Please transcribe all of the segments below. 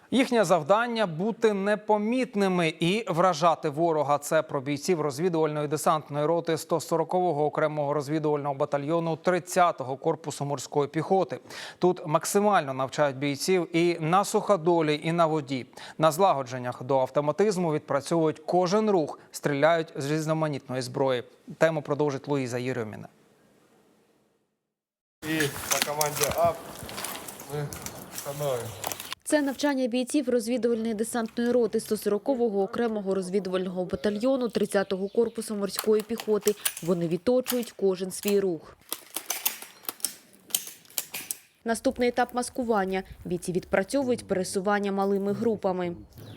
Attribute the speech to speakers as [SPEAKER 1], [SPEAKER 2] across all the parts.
[SPEAKER 1] Їхнє завдання – бути непомітними і вражати ворога. Це про бійців розвідувальної десантної роти 140-го окремого розвідувального батальйону 30-го корпусу морської піхоти. Тут максимально навчають бійців і на суходолі, і на воді. На злагодженнях до автоматизму відпрацьовують кожен рух, стріляють з різноманітної зброї. Тему продовжить Луїза Єрьоміна.
[SPEAKER 2] І по команді АП ми становимо.
[SPEAKER 3] Це навчання бійців розвідувальної десантної роти 140-го окремого розвідувального батальйону 30-го корпусу морської піхоти. Вони відточують кожен свій рух. Наступний етап – маскування. Бійці відпрацьовують пересування малими групами.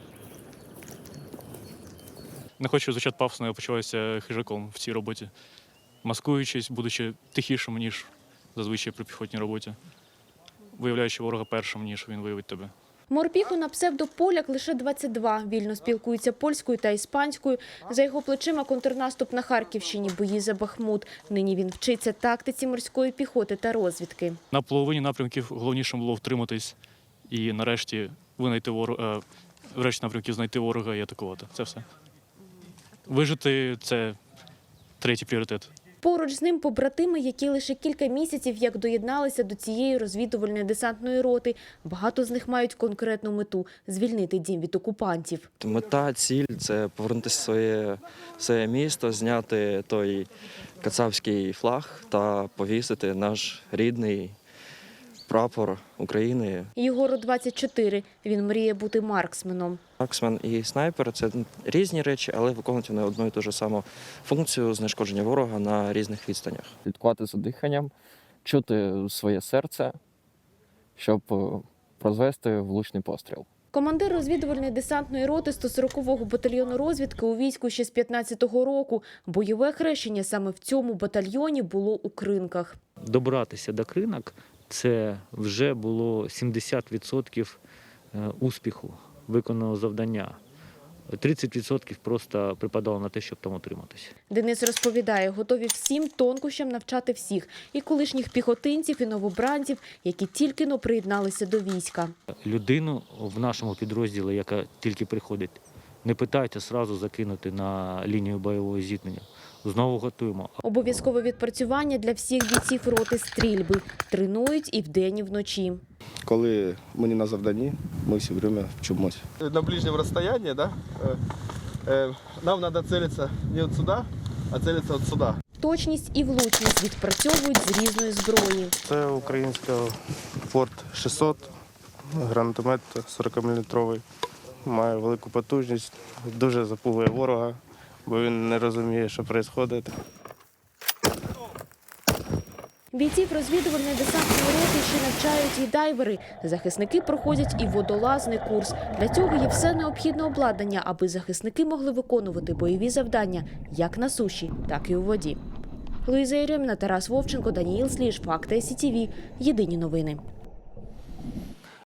[SPEAKER 4] Не хочу звучати пафосно, я почуваюся хижаком в цій роботі. Маскуючись, будучи тихішим, ніж зазвичай при піхотній роботі. Виявляючи ворога першим, ніж він виявить тебе.
[SPEAKER 3] Морпіху на псевдополяк лише 22. Вільно спілкується польською та іспанською. За його плечима контрнаступ на Харківщині, бої за Бахмут. Нині він вчиться тактиці морської піхоти та розвідки.
[SPEAKER 4] На половині напрямків головніше було втриматись і нарешті врешті напрямків знайти ворога і атакувати. Це все. Вижити – це третій пріоритет.
[SPEAKER 3] Поруч з ним побратими, які лише кілька місяців як доєдналися до цієї розвідувальної десантної роти. Багато з них мають конкретну мету – звільнити дім від окупантів.
[SPEAKER 5] Мета, ціль – це повернути своє місто, зняти той кацапський флаг та повісити наш рідний прапор України.
[SPEAKER 3] Єгору 24. Він мріє бути марксменом.
[SPEAKER 5] Марксмен і снайпер – це різні речі, але виконують вони одну і ту ж саму функцію знешкодження ворога на різних відстанях.
[SPEAKER 6] Слідкувати за диханням, чути своє серце, щоб прозвести влучний постріл.
[SPEAKER 3] Командир розвідувальної десантної роти 140-го батальйону розвідки у війську ще з 15-го року. Бойове хрещення саме в цьому батальйоні було у Кринках.
[SPEAKER 7] Добратися до Кринок – це вже було 70% успіху виконаного завдання. 30% просто припадало на те, щоб там утриматися.
[SPEAKER 3] Денис розповідає, готові всім тонкощам навчати всіх – і колишніх піхотинців, і новобранців, які тільки-но приєдналися до війська.
[SPEAKER 7] Людину в нашому підрозділі, яка тільки приходить, не питайте одразу закинути на лінію бойового зіткнення. Знову готуємо.
[SPEAKER 3] Обов'язкове відпрацювання для всіх бійців роти стрільби. Тренують і вдень, і вночі.
[SPEAKER 2] Коли ми не на завданні, ми все время вчимось. На ближньому розстоянні, да, нам треба цілитися не от сюди, а цілитися от сюди.
[SPEAKER 3] Точність і влучність відпрацьовують з різної зброї.
[SPEAKER 2] Це українська Форт 600, гранатомет 40-мм. Має велику потужність, дуже запугує ворога, бо він не розуміє, що відбувається.
[SPEAKER 3] Бійців розвідувальної десантної роти ще навчають і дайвери. Захисники проходять і водолазний курс. Для цього є все необхідне обладнання, аби захисники могли виконувати бойові завдання як на суші, так і у воді. Луїза Єрьоміна, Тарас Вовченко, Даніїл Сліж, Факти СІТВ. Єдині новини.